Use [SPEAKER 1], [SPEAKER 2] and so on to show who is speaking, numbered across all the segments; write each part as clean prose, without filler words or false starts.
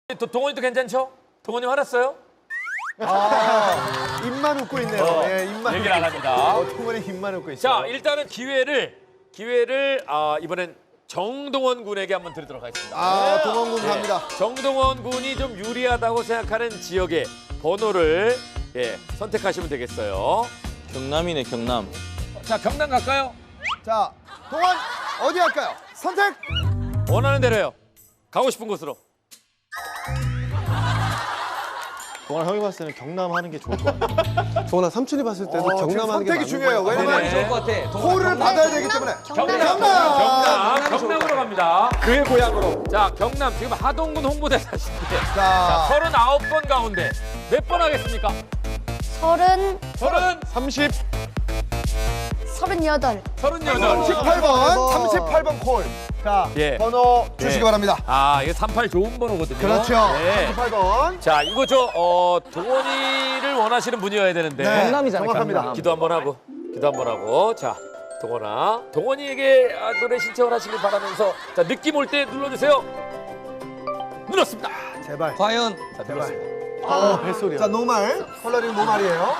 [SPEAKER 1] 또 동원이도 괜찮죠? 동원이 화났어요?
[SPEAKER 2] 입만 웃고 있네요. 예, 입만.
[SPEAKER 1] 얘기를 안 합니다.
[SPEAKER 2] 동원이 입만 웃고 있어요.
[SPEAKER 1] 자, 일단은 기회를 이번엔 정동원 군에게 한번 드리도록 하겠습니다.
[SPEAKER 2] 동원군 갑니다.
[SPEAKER 1] 정동원 군이 좀 유리하다고 생각하는 지역의 번호를 선택하시면 되겠어요.
[SPEAKER 3] 경남이네, 경남.
[SPEAKER 1] 자, 경남 갈까요?
[SPEAKER 2] 자, 동원 어디 할까요? 선택.
[SPEAKER 1] 원하는 대로요. 가고 싶은 곳으로.
[SPEAKER 3] 동환 형이 봤을 때는 경남 하는 게 좋을 것 같아.
[SPEAKER 4] 동원아 삼촌이 봤을 때도
[SPEAKER 2] 지금
[SPEAKER 4] 경남 하는 게
[SPEAKER 2] 선택이 중요해요.
[SPEAKER 4] 맞는 거야.
[SPEAKER 2] 왜냐면
[SPEAKER 1] 네네.
[SPEAKER 3] 것 같아.
[SPEAKER 2] 호를 받아야 되기 때문에.
[SPEAKER 1] 경남으로 갑니다.
[SPEAKER 2] 그의 고향으로.
[SPEAKER 1] 자, 경남 지금 하동군 홍보대사신데
[SPEAKER 2] 자,
[SPEAKER 1] 39번 가운데 몇 번 하겠습니까?
[SPEAKER 5] 30,
[SPEAKER 1] 30,
[SPEAKER 5] 38.
[SPEAKER 1] 38.
[SPEAKER 2] 38번, 38번 콜. 자,
[SPEAKER 1] 예.
[SPEAKER 2] 번호 주시기 바랍니다.
[SPEAKER 1] 아, 이게 38 좋은 번호거든요.
[SPEAKER 2] 그렇죠.
[SPEAKER 1] 네.
[SPEAKER 2] 38번.
[SPEAKER 1] 자, 이거 동원이를 원하시는 분이어야 되는데.
[SPEAKER 3] 경남이잖아,
[SPEAKER 2] 정확합니다.
[SPEAKER 3] 경남.
[SPEAKER 1] 기도 한번 하고. 자, 동원아. 동원이에게 노래 신청을 하시길 바라면서 자, 느낌 올 때 눌러주세요. 눌렀습니다.
[SPEAKER 2] 제발.
[SPEAKER 3] 과연
[SPEAKER 1] 자, 눌렀습니다.
[SPEAKER 4] 뱃소리야.
[SPEAKER 2] 자, 노말. 컬러링 노말이에요.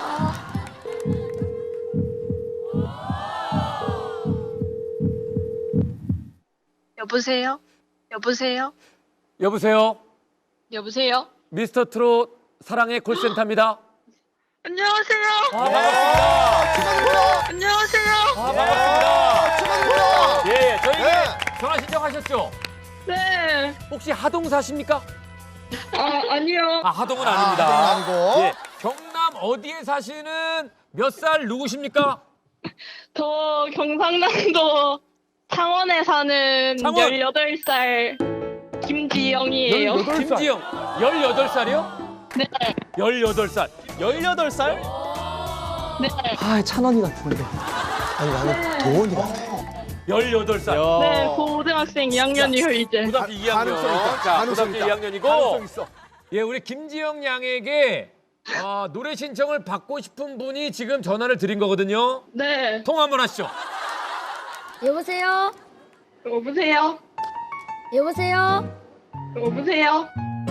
[SPEAKER 6] 여보세요? 여보세요?
[SPEAKER 1] 여보세요.
[SPEAKER 6] 여보세요?
[SPEAKER 1] 미스터 트롯 사랑의 콜센터입니다.
[SPEAKER 6] 안녕하세요.
[SPEAKER 2] 축하드립니다.
[SPEAKER 6] 안녕하세요.
[SPEAKER 1] 반갑습니다.
[SPEAKER 2] 축하드립니다.
[SPEAKER 1] 예, 저희
[SPEAKER 2] 네.
[SPEAKER 1] 전화 신청하셨죠?
[SPEAKER 6] 네.
[SPEAKER 1] 혹시 하동 사십니까?
[SPEAKER 6] 아니요.
[SPEAKER 1] 아, 하동은 아닙니다.
[SPEAKER 2] 하동은 아니고.
[SPEAKER 1] 예, 경남 어디에 사시는 몇 살 누구십니까?
[SPEAKER 6] 저 경상남도 창원에 사는
[SPEAKER 1] 창원.
[SPEAKER 6] 18살 김지영이에요.
[SPEAKER 1] 김지영, 18살이요?
[SPEAKER 6] 네.
[SPEAKER 1] 18살.
[SPEAKER 3] 18살?
[SPEAKER 6] 네.
[SPEAKER 3] 아, 찬원이 같은데.
[SPEAKER 4] 아니 나는 동원이 같아.
[SPEAKER 1] 18살.
[SPEAKER 6] 네, 고등학생 2학년이요, 이제.
[SPEAKER 1] 고등학교 2학년.
[SPEAKER 2] 가능성 있다.
[SPEAKER 1] 자,
[SPEAKER 2] 가능성
[SPEAKER 1] 고등학교
[SPEAKER 2] 있다.
[SPEAKER 1] 2학년이고.
[SPEAKER 2] 가능성 있어.
[SPEAKER 1] 예, 우리 김지영 양에게 노래 신청을 받고 싶은 분이 지금 전화를 드린 거거든요.
[SPEAKER 6] 네.
[SPEAKER 1] 통화 한번 하시죠.
[SPEAKER 5] 여보세요?
[SPEAKER 6] 여보세요?
[SPEAKER 5] 여보세요?
[SPEAKER 6] 여보세요?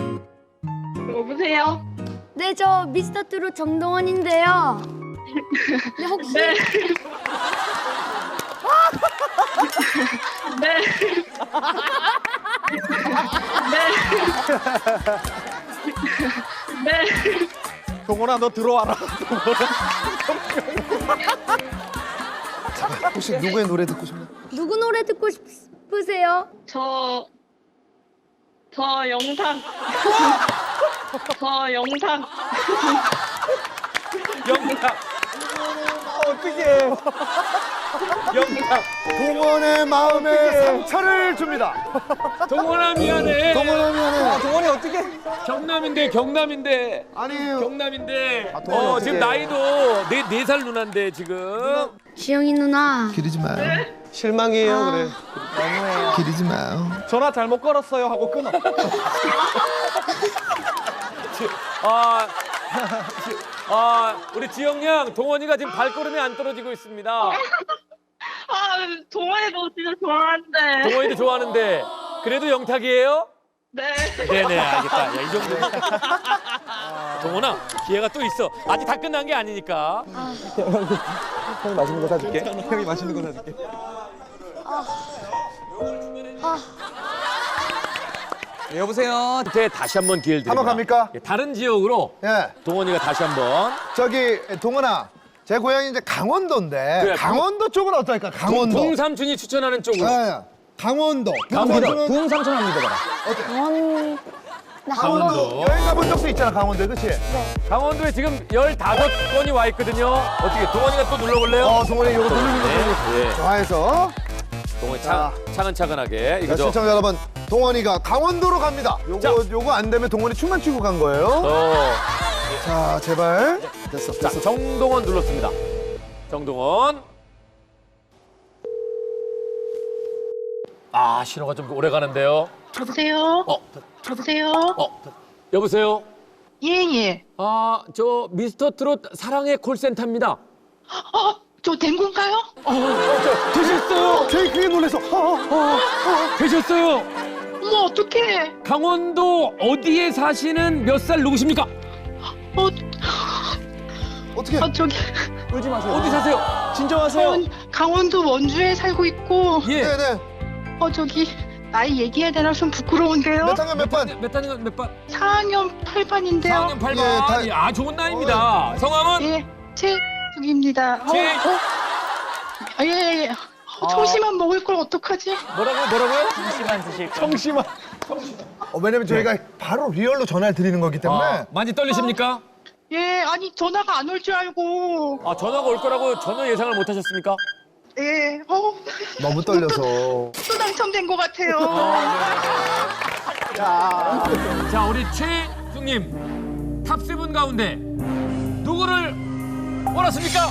[SPEAKER 6] 여보세요?
[SPEAKER 5] 네, 저 미스터 트롯 정동원인데요. 네, 혹시
[SPEAKER 6] 네. 네. 네. 네.
[SPEAKER 3] 동원아, 너 들어와라.
[SPEAKER 2] 혹시 누구의 노래 듣고 싶나요?
[SPEAKER 5] 누구 노래 듣고 싶으세요?
[SPEAKER 6] 저 영상. 저 영상.
[SPEAKER 1] 영탁.
[SPEAKER 3] 어떡해.
[SPEAKER 1] 영탁.
[SPEAKER 2] 동원의 마음에 상처를 줍니다.
[SPEAKER 1] 동원아 미안해.
[SPEAKER 2] 동원아 미안해.
[SPEAKER 3] 동원이 어떡해.
[SPEAKER 1] 경남인데.
[SPEAKER 2] 아니에요.
[SPEAKER 1] 경남인데.
[SPEAKER 2] 동원이 어떡해.
[SPEAKER 1] 지금 나이도 네 살 누나인데 지금.
[SPEAKER 5] 지영이 누나.
[SPEAKER 2] 기르지 마요.
[SPEAKER 4] 실망이에요 그래.
[SPEAKER 2] 기르지 마요.
[SPEAKER 3] 전화 잘못 걸었어요 하고 끊어.
[SPEAKER 1] 우리 지영 양, 동원이가 지금 발걸음이 안 떨어지고 있습니다.
[SPEAKER 6] 동아리도 진짜 좋아하는데.
[SPEAKER 1] 동원이도 좋아하는데 그래도 영탁이에요?
[SPEAKER 6] 네.
[SPEAKER 1] 네네, 알겠다. 야, 이 정도. 동원아, 기회가 또 있어. 아직 다 끝난 게 아니니까.
[SPEAKER 3] 형이 맛있는 거 사줄게. 형이 맛있는 거 사줄게. 네, 여보세요.
[SPEAKER 1] 그때 다시 한번 기회를 드립니다.
[SPEAKER 2] 한번 갑니까?
[SPEAKER 1] 예, 다른 지역으로
[SPEAKER 2] 예.
[SPEAKER 1] 동원이가 다시 한번.
[SPEAKER 2] 저기 동원아, 제 고향이 이제 강원도인데
[SPEAKER 1] 그래,
[SPEAKER 2] 강원도 쪽은 어떨까? 강원도.
[SPEAKER 1] 동삼촌이 추천하는 쪽으로.
[SPEAKER 2] 예. 강원도.
[SPEAKER 1] 강원도.
[SPEAKER 3] 부흥삼촌 한번 믿어봐라.
[SPEAKER 1] 강원도.
[SPEAKER 2] 여행 가본 적도 있잖아, 강원도에, 그렇지?
[SPEAKER 1] 강원도에 지금 15건이 와 있거든요. 어떻게 동원이가 또 눌러볼래요?
[SPEAKER 2] 동원이 이거 누르는 거
[SPEAKER 1] 네.
[SPEAKER 2] 좋아해서.
[SPEAKER 1] 동원이
[SPEAKER 2] 자.
[SPEAKER 1] 차근차근하게.
[SPEAKER 2] 자,
[SPEAKER 1] 이거죠.
[SPEAKER 2] 시청자 여러분, 동원이가 강원도로 갑니다.
[SPEAKER 1] 자.
[SPEAKER 2] 요거 안 되면 동원이 춤만 추고 간 거예요. 자, 제발. 됐어,
[SPEAKER 1] 자,
[SPEAKER 2] 됐어.
[SPEAKER 1] 정동원 눌렀습니다. 정동원. 신호가 좀 오래 가는데요.
[SPEAKER 6] 여보세요?
[SPEAKER 1] 어,
[SPEAKER 6] 여보세요?
[SPEAKER 1] 여보세요?
[SPEAKER 6] 예.
[SPEAKER 1] 저 미스터 트롯 사랑의 콜센터입니다.
[SPEAKER 6] 저 된 건가요?
[SPEAKER 1] 되셨어요?
[SPEAKER 2] 저희 그게 놀래서.
[SPEAKER 1] 되셨어요?
[SPEAKER 6] 어머, 어떡해.
[SPEAKER 1] 강원도 어디에 사시는 몇 살 누구십니까?
[SPEAKER 2] 어떻게?
[SPEAKER 6] 저기,
[SPEAKER 3] 울지 마세요.
[SPEAKER 1] 어디 사세요?
[SPEAKER 3] 진정하세요.
[SPEAKER 6] 강원도 원주에 살고 있고,
[SPEAKER 1] 예.
[SPEAKER 2] 네네.
[SPEAKER 6] 저기, 나이 얘기해야 되나 좀 부끄러운데요?
[SPEAKER 2] 몇 학년 몇 반?
[SPEAKER 1] 몇 학년 몇 반?
[SPEAKER 6] 4학년 8반인데요.
[SPEAKER 1] 4학년 8반.
[SPEAKER 2] 예, 다-
[SPEAKER 1] 좋은 나이입니다. 성함은?
[SPEAKER 6] 예, 최숙입니다. 예. 청심환 먹을 걸 어떡하지?
[SPEAKER 1] 뭐라고요?
[SPEAKER 3] 청심환.
[SPEAKER 2] 왜냐면 저희가 바로 리얼로 전화를 드리는 거기 때문에.
[SPEAKER 1] 많이 떨리십니까?
[SPEAKER 6] 예, 아니 전화가 안 올 줄 알고.
[SPEAKER 1] 전화가 올 거라고 전혀 예상을 못 하셨습니까?
[SPEAKER 6] 예,
[SPEAKER 2] 너무 떨려서.
[SPEAKER 6] 또 당첨된 것 같아요.
[SPEAKER 1] 자, 우리 최숙님 탑7 가운데 누구를 원하십니까?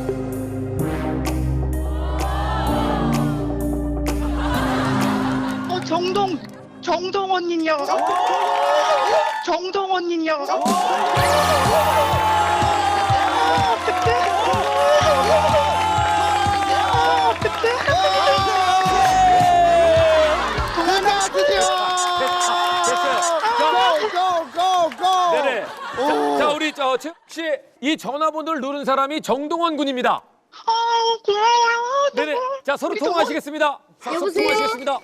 [SPEAKER 6] 정동원님이요. 정동원님이요.
[SPEAKER 2] 고고고고.
[SPEAKER 1] 네네. 자, 우리 최숙 씨, 이 전화번호를 누른 사람이 정동원 군입니다.
[SPEAKER 6] 고마워요.
[SPEAKER 1] 네네. 자, 서로 통화하시겠습니다. 서로
[SPEAKER 5] 여보세요?
[SPEAKER 1] 통화하시겠습니다.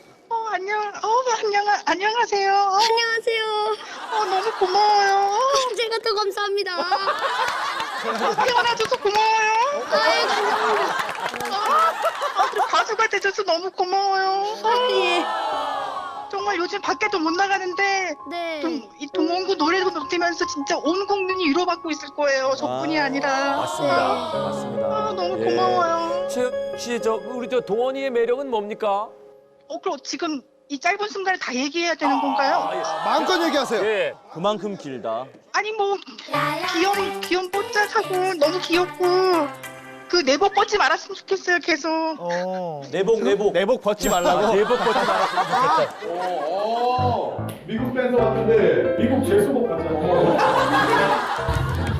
[SPEAKER 6] 안녕하세요.
[SPEAKER 5] 안녕하세요.
[SPEAKER 6] 너무 고마워요.
[SPEAKER 5] 제가 더 감사합니다.
[SPEAKER 6] 태어나줘서 고마워요.
[SPEAKER 5] 아유, 감사합니다.
[SPEAKER 6] 그리고 가수가 돼줘서 너무 고마워요.
[SPEAKER 5] 예.
[SPEAKER 6] 정말 요즘 밖에도 못 나가는데
[SPEAKER 5] 네.
[SPEAKER 6] 이 동원구 노래도 들으면서 진짜 온 국민이 위로받고 있을 거예요. 저뿐이 아니라.
[SPEAKER 1] 맞습니다. 맞습니다.
[SPEAKER 6] 너무
[SPEAKER 1] 예.
[SPEAKER 6] 고마워요.
[SPEAKER 1] 최숙 씨, 우리 동원이의 매력은 뭡니까?
[SPEAKER 6] 그럼 지금 이 짧은 순간에 다 얘기해야 되는 건가요?
[SPEAKER 2] 마음껏 얘기하세요.
[SPEAKER 1] 예.
[SPEAKER 3] 그만큼 길다.
[SPEAKER 6] 아니 뭐 귀여운 뽀짝하고 너무 귀엽고 그 내복 벗지 말았으면 좋겠어요. 계속.
[SPEAKER 3] 내복 벗지 말라고.
[SPEAKER 1] 대복 벗지 말았으면 좋겠다.
[SPEAKER 7] 미국 밴드 왔는데 미국 제수복 같잖아.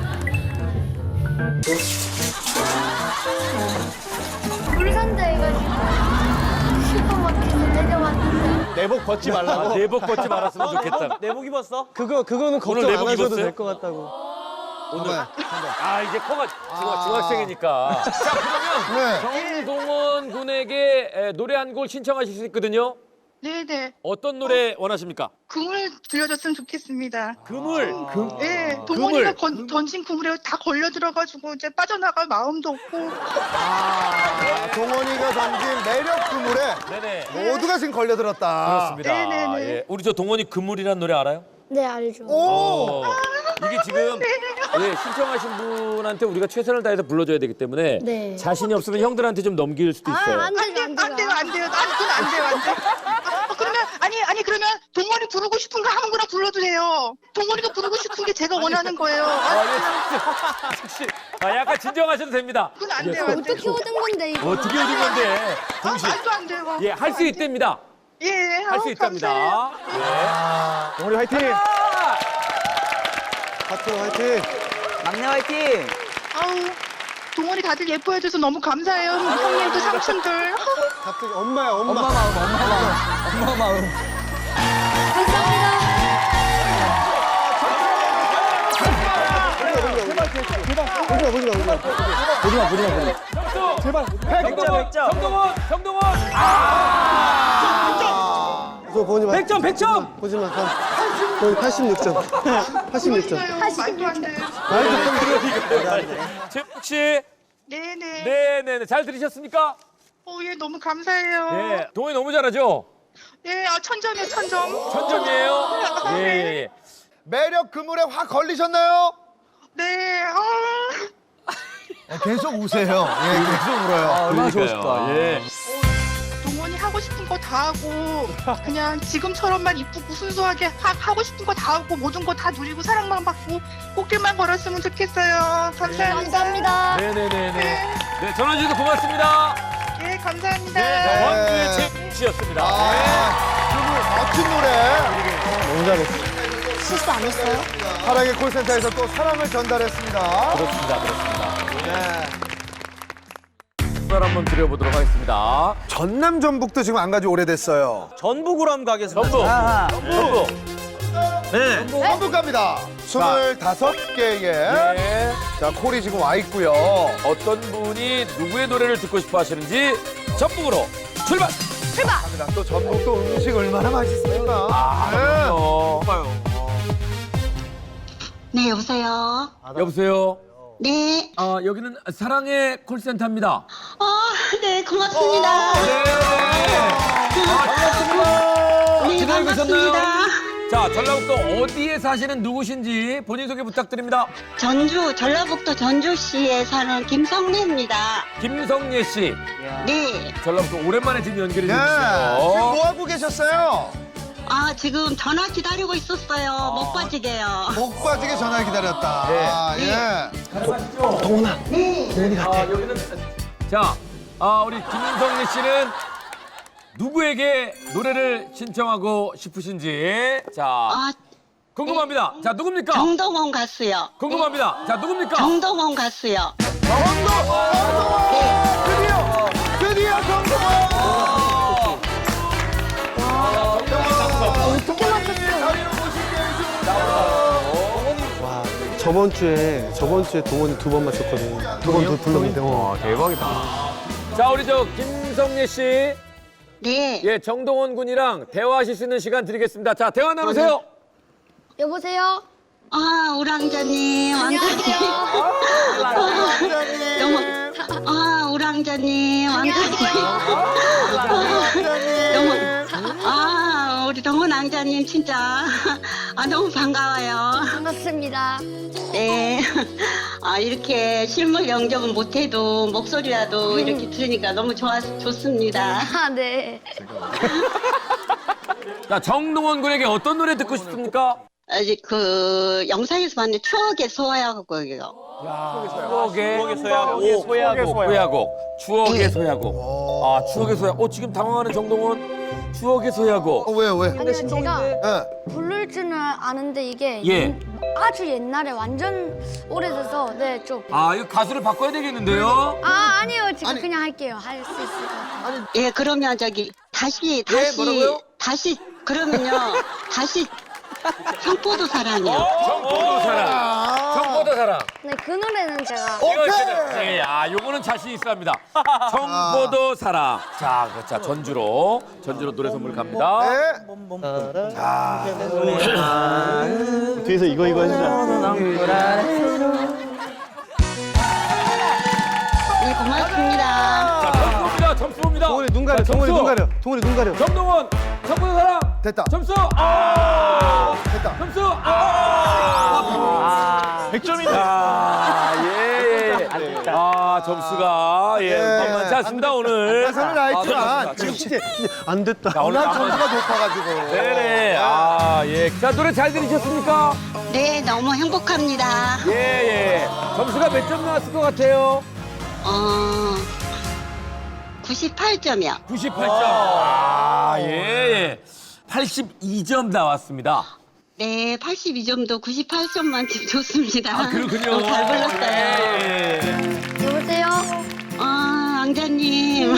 [SPEAKER 5] 울산다 해가지고 슈퍼마켓에 내려왔는데
[SPEAKER 3] 내복 벗지 말라고.
[SPEAKER 1] 대복 벗지 말았으면 좋겠다.
[SPEAKER 3] 내복 입었어? 그거는 걱정
[SPEAKER 1] 내복
[SPEAKER 3] 안 하셔도
[SPEAKER 1] 입었어요?
[SPEAKER 3] 될 것 같다고.
[SPEAKER 1] 오늘 이제 커가 중학생이니까. 자, 그러면
[SPEAKER 2] 네.
[SPEAKER 1] 정동원 군에게 노래 한 곡 신청하실 수 있거든요.
[SPEAKER 6] 네네.
[SPEAKER 1] 어떤 노래 원하십니까?
[SPEAKER 6] 그물 들려줬으면 좋겠습니다.
[SPEAKER 1] 그물.
[SPEAKER 6] 네, 동원이가 던진 그물에 다 걸려 들어가지고 이제 빠져나갈 마음도 없고.
[SPEAKER 2] 동원이가 던진 매력 그물에
[SPEAKER 1] 네네.
[SPEAKER 2] 모두가 지금 걸려들었다.
[SPEAKER 1] 그렇습니다.
[SPEAKER 6] 네네네.
[SPEAKER 1] 예. 우리 동원이 그물이라는 노래 알아요?
[SPEAKER 5] 네, 알죠.
[SPEAKER 1] 이게 지금 신청하신 분한테 우리가 최선을 다해서 불러줘야 되기 때문에
[SPEAKER 5] 네.
[SPEAKER 1] 자신이 없으면 형들한테 좀 넘길 수도 있어요.
[SPEAKER 5] 안 되죠, 안 되죠.
[SPEAKER 6] 안 돼요. 아니, 그건 안 돼요. 그러면 그러면 동원이 부르고 싶은 거 아무거나 불러도 돼요. 동원이가 부르고 싶은 게 제가 원하는 거예요.
[SPEAKER 1] 혹시 약간 진정하셔도 됩니다.
[SPEAKER 6] 그건 안 돼요. 안 돼요.
[SPEAKER 5] 어떻게 얻은 건데, 이거?
[SPEAKER 1] 어떻게 얻은 건데?
[SPEAKER 6] 말도 안 돼요.
[SPEAKER 1] 예, 할 수 있답니다.
[SPEAKER 6] 예,
[SPEAKER 1] 할 수 있답니다.
[SPEAKER 3] 동원이 화이팅!
[SPEAKER 4] 하트 화이팅.
[SPEAKER 3] 막내 화이팅!
[SPEAKER 6] 동원이 다들 예뻐해줘서 너무 감사해요. 형님도 삼촌들.
[SPEAKER 4] 갑자기 엄마야 엄마.
[SPEAKER 3] 엄마 마음.
[SPEAKER 5] 감사합니다.
[SPEAKER 3] 제발.
[SPEAKER 1] 정동원.
[SPEAKER 4] 저 보지 마.
[SPEAKER 1] 100점.
[SPEAKER 4] 보지 마. 거의 86점. 86점.
[SPEAKER 6] 말도 안 돼요.
[SPEAKER 1] 최욱 씨.
[SPEAKER 6] 네네.
[SPEAKER 1] 네네네. 잘 들으셨습니까?
[SPEAKER 6] 예, 너무 감사해요.
[SPEAKER 1] 예. 동원이 너무 잘하죠?
[SPEAKER 6] 예, 천점이요, 천점.
[SPEAKER 1] 천점이에요? 예.
[SPEAKER 2] 매력 그물에 확 걸리셨나요?
[SPEAKER 6] 네,
[SPEAKER 2] 계속 우세요. 예, 계속 울어요.
[SPEAKER 3] 얼마나 좋으실까.
[SPEAKER 1] 예.
[SPEAKER 6] 동원이 하고 싶은 거 다 하고 그냥 지금처럼만 이쁘고 순수하게 하고 싶은 거 다 하고 모든 거 다 누리고 사랑만 받고 꽃길만 걸었으면 좋겠어요. 감사합니다.
[SPEAKER 5] 감사합니다.
[SPEAKER 1] 네네네네. 네, 전화 주셔서 고맙습니다.
[SPEAKER 6] 예, 감사합니다.
[SPEAKER 2] 네.
[SPEAKER 1] 원주의 최욱 씨였습니다.
[SPEAKER 2] 그물 멋진 노래.
[SPEAKER 4] 너무 잘했어.
[SPEAKER 5] 실수 안 했어요?
[SPEAKER 2] 사랑의 콜센터에서 또 사랑을 전달했습니다.
[SPEAKER 1] 그렇습니다.
[SPEAKER 2] 네.
[SPEAKER 1] 박수를 한번 드려보도록 하겠습니다.
[SPEAKER 2] 전남 전북도 지금 안 가지 오래됐어요.
[SPEAKER 3] 전북으로 한번 가겠습니다.
[SPEAKER 1] 전북.
[SPEAKER 3] 네.
[SPEAKER 2] 전북 갑니다. 25개의
[SPEAKER 1] 네.
[SPEAKER 2] 자 콜이 지금 와 있고요.
[SPEAKER 1] 어떤 분이 누구의 노래를 듣고 싶어 하시는지 전북으로 출발!
[SPEAKER 2] 갑니다. 또 전북도 음식 얼마나 맛있습니까?
[SPEAKER 6] 네, 여보세요.
[SPEAKER 1] 여보세요?
[SPEAKER 6] 네.
[SPEAKER 1] 여기는 사랑의 콜센터입니다.
[SPEAKER 6] 네, 고맙습니다. 네,
[SPEAKER 1] 기다리고 계셨나요?
[SPEAKER 6] 반갑습니다.
[SPEAKER 1] 자, 전라북도 어디에 사시는 누구신지 본인 소개 부탁드립니다.
[SPEAKER 6] 전라북도 전주시에 사는 김성래입니다.
[SPEAKER 1] 김성예 씨.
[SPEAKER 6] 네.
[SPEAKER 1] 전라북도 오랜만에 지금 연결이
[SPEAKER 2] 네. 지금
[SPEAKER 1] 됐어요.
[SPEAKER 2] 뭐 하고 계셨어요?
[SPEAKER 6] 지금 전화 기다리고 있었어요. 못 빠지게요.
[SPEAKER 2] 목 빠지게 전화 기다렸다.
[SPEAKER 1] 네.
[SPEAKER 2] 예.
[SPEAKER 1] 자, 우리 김성예 씨는 누구에게 노래를 신청하고 싶으신지. 자, 궁금합니다. 자, 누굽니까?
[SPEAKER 6] 정동원 가수요.
[SPEAKER 1] 궁금합니다. 자, 누굽니까?
[SPEAKER 6] 정동원 가수요.
[SPEAKER 2] 드디어 정동원.
[SPEAKER 5] 어떻게 맞췄어요?
[SPEAKER 4] 와, 저번 주에 동원이 2번 맞췄거든. 2번 불렀는데.
[SPEAKER 1] 대박이다. 자, 우리 김성예 씨.
[SPEAKER 6] 네.
[SPEAKER 1] 예, 정동원 군이랑 대화하실 수 있는 시간 드리겠습니다. 자, 대화 나누세요.
[SPEAKER 5] 여보세요?
[SPEAKER 6] 우랑자님.
[SPEAKER 5] 안녕하세요.
[SPEAKER 6] 너무, 우랑자님. 너무, 우리 동원 왕자님 진짜 너무 반가워요.
[SPEAKER 5] 반갑습니다.
[SPEAKER 6] 네. 이렇게 실물 영접은 못해도 목소리라도 이렇게 들으니까 너무 좋습니다.
[SPEAKER 5] 네.
[SPEAKER 1] 자, 정동원 군에게 어떤 노래 듣고 싶습니까?
[SPEAKER 6] 아직 영상에서 봤는데 추억의 소야곡이요.
[SPEAKER 1] 추억의
[SPEAKER 3] 소야곡.
[SPEAKER 1] 소야곡. 추억의 소야곡. 추억의 소야곡. 지금 당황하는 정동원. 추억의 소야곡.
[SPEAKER 2] 왜요 왜?
[SPEAKER 5] 아니요, 제가
[SPEAKER 2] 예.
[SPEAKER 5] 부를 줄은 아는데 이게
[SPEAKER 1] 예.
[SPEAKER 5] 아주 옛날에 완전 오래돼서 네, 좀.
[SPEAKER 1] 이거 가수를 바꿔야 되겠는데요?
[SPEAKER 5] 아니요. 지금 그냥 할게요. 할 수 있을 것 같아요.
[SPEAKER 6] 예, 그러면 다시
[SPEAKER 1] 뭐라고요?
[SPEAKER 6] 그러면요. 다시 청포도 사랑이요.
[SPEAKER 1] 청포도 사랑. 청포도 사랑.
[SPEAKER 5] 네, 그 노래는 제가.
[SPEAKER 2] 오케이.
[SPEAKER 1] 예, 요거는 자신 있어 합니다. 청포도 사랑. 자, 전주로 노래 선물 갑니다.
[SPEAKER 2] 네.
[SPEAKER 4] 뒤에서 이거 해주자.
[SPEAKER 6] 네, 고맙습니다.
[SPEAKER 1] 자, 점수입니다.
[SPEAKER 4] 동원이 눈 가려.
[SPEAKER 1] 자,
[SPEAKER 4] 동원이
[SPEAKER 1] 점수.
[SPEAKER 4] 눈 가려. 동원이 눈 가려.
[SPEAKER 1] 정동원, 청포도 사랑.
[SPEAKER 2] 됐다.
[SPEAKER 1] 점수.
[SPEAKER 2] 됐다.
[SPEAKER 1] 점수.
[SPEAKER 3] 100점이다.
[SPEAKER 1] 예. 점수가 만만치 않습니다 오늘.
[SPEAKER 2] 가사는 알지만
[SPEAKER 1] 지금
[SPEAKER 2] 지금
[SPEAKER 4] 안 됐다.
[SPEAKER 1] 오늘
[SPEAKER 2] 워낙 점수가 높아가지고.
[SPEAKER 1] 네네. 예. 자, 노래 잘 들으셨습니까?
[SPEAKER 6] 네, 너무 행복합니다.
[SPEAKER 1] 예. 점수가 몇 점 나왔을 것 같아요?
[SPEAKER 6] 98점이요.
[SPEAKER 1] 98점. 예. 82점 나왔습니다.
[SPEAKER 6] 네, 82점도 98점 만점 좋습니다.
[SPEAKER 1] 그렇군요.
[SPEAKER 6] 너무 잘 불렀어요.
[SPEAKER 1] 예.
[SPEAKER 5] 여보세요?
[SPEAKER 6] 왕자님.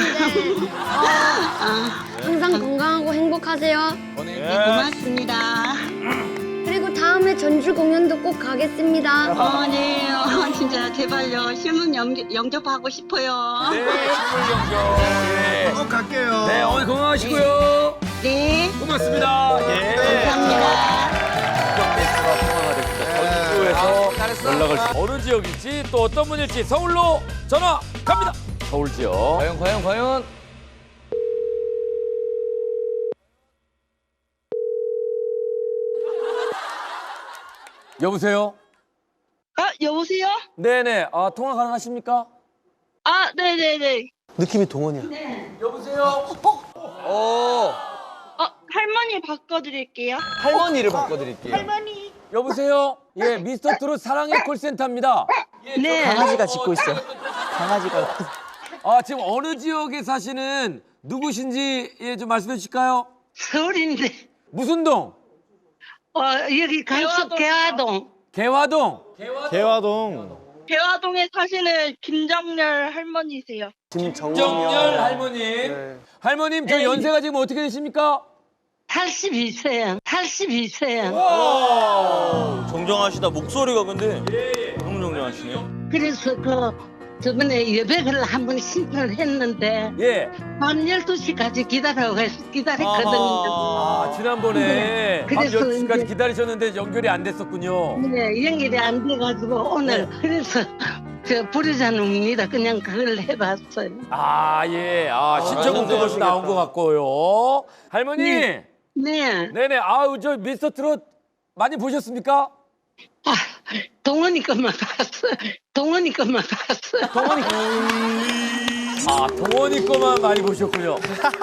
[SPEAKER 5] 항상 건강하고 행복하세요.
[SPEAKER 6] 네, 고맙습니다.
[SPEAKER 5] 그리고 다음에 전주 공연도 꼭 가겠습니다.
[SPEAKER 6] 네, 진짜 제발요. 실문 영접하고 싶어요.
[SPEAKER 1] 네, 식물 경정. 예.
[SPEAKER 2] 꼭 갈게요.
[SPEAKER 1] 네, 오늘 건강하시고요.
[SPEAKER 6] 네,
[SPEAKER 1] 고맙습니다. 예.
[SPEAKER 6] 감사합니다.
[SPEAKER 1] 가 통화가 됐습니다. 전주에서 연락을 어느 지역일지 또 어떤 분일지 서울로 전화 갑니다. 서울 지역. 과연. 여보세요?
[SPEAKER 6] 여보세요?
[SPEAKER 1] 네네. 통화 가능하십니까?
[SPEAKER 6] 네네네.
[SPEAKER 4] 느낌이 동원이야.
[SPEAKER 1] 여보세요?
[SPEAKER 6] 할머니 바꿔드릴게요.
[SPEAKER 3] 할머니를 바꿔드릴게요.
[SPEAKER 1] 여보세요? 예, 미스터 트롯 사랑의 콜센터입니다.
[SPEAKER 6] 네.
[SPEAKER 3] 강아지가 짖고 있어. 강아지가.
[SPEAKER 1] 지금 어느 지역에 사시는 누구신지 좀 말씀해 주실까요?
[SPEAKER 6] 서울인데.
[SPEAKER 1] 무슨 동?
[SPEAKER 6] 여기 강서 개화동.
[SPEAKER 1] 개화동.
[SPEAKER 3] 개화동.
[SPEAKER 6] 대화동에 사시는 김정열 할머니세요.
[SPEAKER 1] 정열 할머님.
[SPEAKER 4] 네.
[SPEAKER 1] 할머님, 저 연세가 지금 어떻게 되십니까?
[SPEAKER 8] 82세요. 82세요.
[SPEAKER 3] 정정하시다. 목소리가 근데 너무 정정하시네요.
[SPEAKER 8] 그래서 저번에 여백을 한번 신청을 했는데
[SPEAKER 1] 예.
[SPEAKER 8] 밤 12시까지 기다렸거든요.
[SPEAKER 1] 아, 지난번에 밤
[SPEAKER 8] 그래서
[SPEAKER 1] 10시까지
[SPEAKER 8] 이제-
[SPEAKER 1] 기다리셨는데 연결이 안 됐었군요.
[SPEAKER 8] 네, 연결이 안 돼가지고 오늘 그래서 저 부르자는 옵니다. 그냥 그걸 해봤어요.
[SPEAKER 1] 아, 예. 아, 신청곡도 벌써 나온 것 같고요. 할머니.
[SPEAKER 8] 네. 네.
[SPEAKER 1] 네네. 아우, 저 미스터 트롯 많이 보셨습니까?
[SPEAKER 8] 아, 동원이 것만 봤어요. 동원이 것만 봤어요.
[SPEAKER 1] 아, 동원이 거만 많이 보셨군요.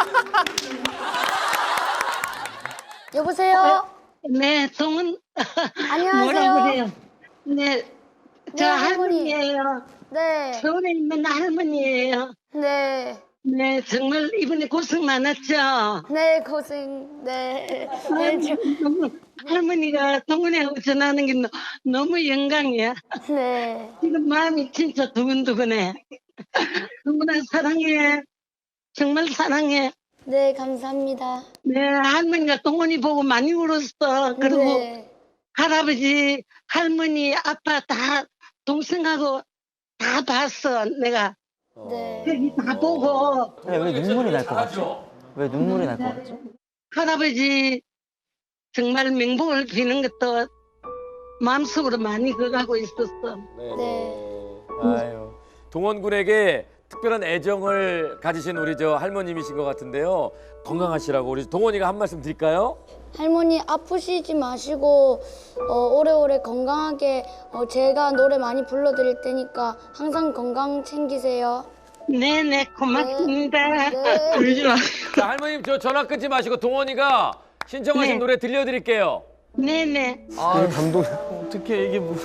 [SPEAKER 5] 여보세요?
[SPEAKER 8] 네, 동원.
[SPEAKER 5] 안녕하세요.
[SPEAKER 8] 뭐라 그래요? 네, 저
[SPEAKER 5] 네, 할머니.
[SPEAKER 8] 할머니예요.
[SPEAKER 5] 네.
[SPEAKER 8] 서울에 있는 할머니예요.
[SPEAKER 5] 네.
[SPEAKER 8] 네, 정말 이번에 고생 많았죠.
[SPEAKER 5] 네, 고생. 네. 네,
[SPEAKER 8] 너무 할머니가 동원이하고 전화하는 게 너무 영광이야.
[SPEAKER 5] 네.
[SPEAKER 8] 지금 마음이 진짜 두근두근해. 동원아 사랑해. 정말 사랑해.
[SPEAKER 5] 네, 감사합니다.
[SPEAKER 8] 네, 할머니가 동원이 보고 많이 울었어. 그리고
[SPEAKER 5] 네.
[SPEAKER 8] 할아버지, 할머니, 아빠 다 동생하고 다 봤어. 내가
[SPEAKER 5] 네.
[SPEAKER 8] 여기 다 보고
[SPEAKER 9] 왜 눈물이 날 것 같죠? 왜 눈물이 날 것 같죠?
[SPEAKER 8] 할아버지 정말 명복을 비는 것도 마음속으로 많이 그가고 있었어.
[SPEAKER 5] 네.
[SPEAKER 1] 아유. 동원군에게 특별한 애정을 가지신 우리 저 할머님이신 것 같은데요. 건강하시라고 우리 동원이가 한 말씀 드릴까요?
[SPEAKER 5] 할머니 아프시지 마시고 오래오래 건강하게 제가 노래 많이 불러드릴 테니까 항상 건강 챙기세요.
[SPEAKER 8] 네네 고맙습니다.
[SPEAKER 5] 네.
[SPEAKER 8] 울지 마.
[SPEAKER 1] 자, 할머님 저 전화 끊지 마시고 동원이가 신청하신
[SPEAKER 8] 네.
[SPEAKER 1] 노래 들려드릴게요.
[SPEAKER 8] 네네.
[SPEAKER 4] 아, 감동. 어떻게 이게 뭐.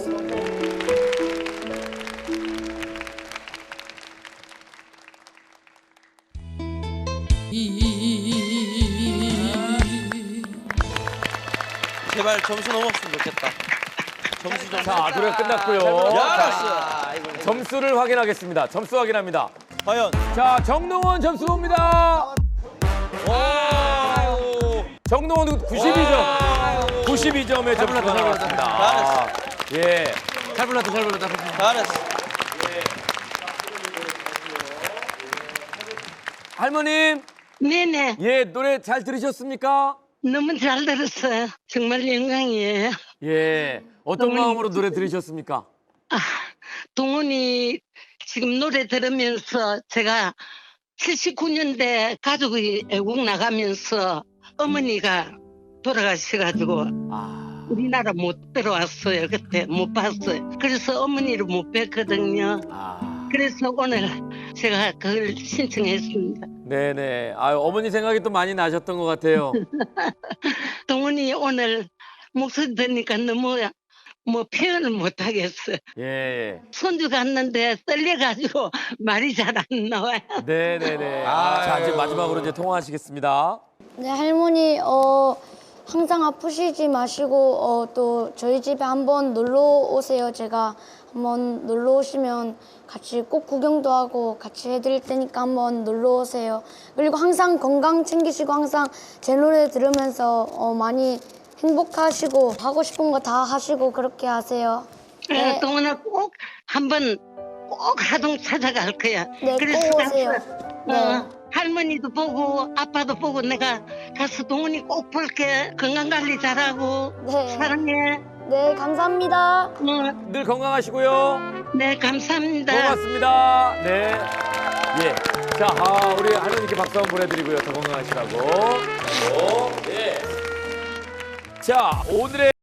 [SPEAKER 3] 제발 점수 넘었으면 좋겠다. 점수 좀.
[SPEAKER 1] 자, 노래가 끝났고요.
[SPEAKER 3] 잘했어.
[SPEAKER 1] 점수를 확인하겠습니다. 점수 확인합니다.
[SPEAKER 3] 과연.
[SPEAKER 1] 자, 정동원 점수 봅니다.
[SPEAKER 3] 와.
[SPEAKER 1] 정동원 92점. 92점의 점수가 나왔습니다. 예. 잘 불렀다.
[SPEAKER 3] 잘했어.
[SPEAKER 1] 할머님,
[SPEAKER 8] 네네.
[SPEAKER 1] 예, 노래 잘 들으셨습니까?
[SPEAKER 8] 너무 잘 들었어요. 정말 영광이에요.
[SPEAKER 1] 예. 어떤 마음으로 노래 들으셨습니까?
[SPEAKER 8] 아, 동훈이 지금 노래 들으면서 제가 79년대 가족이 외국 나가면서 어머니가 돌아가셔가지고
[SPEAKER 1] 아,
[SPEAKER 8] 우리나라 못 들어왔어요. 그때 못 봤어요. 그래서 어머니를 못 뵀거든요.
[SPEAKER 1] 아.
[SPEAKER 8] 그래서 오늘 제가 그걸 신청했습니다.
[SPEAKER 1] 네네. 아유, 어머니 생각이 또 많이 나셨던 것 같아요.
[SPEAKER 8] 동훈이 오늘 목소리 들으니까 너무 표현을 못 하겠어요.
[SPEAKER 1] 예.
[SPEAKER 8] 손주 갔는데 떨려가지고 말이 잘 안 나와요.
[SPEAKER 1] 네네네. 자, 이제 마지막으로 이제 통화하시겠습니다.
[SPEAKER 5] 네, 할머니 항상 아프시지 마시고 또 저희 집에 한번 놀러 오세요. 제가 한번 놀러 오시면 같이 꼭 구경도 하고 같이 해드릴 테니까 한번 놀러 오세요. 그리고 항상 건강 챙기시고 항상 제 노래 들으면서 많이 행복하시고 하고 싶은 거 다 하시고 그렇게 하세요. 네.
[SPEAKER 8] 동훈아 꼭 한번 꼭 하동 찾아갈 거야.
[SPEAKER 5] 네,
[SPEAKER 8] 그래서
[SPEAKER 5] 꼭 오세요.
[SPEAKER 8] 가서, 할머니도 보고 아빠도 보고 내가 가서 동훈이 꼭 볼게. 건강 관리 잘하고
[SPEAKER 5] 네.
[SPEAKER 8] 사랑해.
[SPEAKER 5] 네, 감사합니다.
[SPEAKER 1] 늘 건강하시고요.
[SPEAKER 8] 네 감사합니다.
[SPEAKER 1] 고맙습니다. 네. 예. 자, 우리 할머니께 박수 한번 보내드리고요. 더 건강하시라고. 예. 자, 오늘의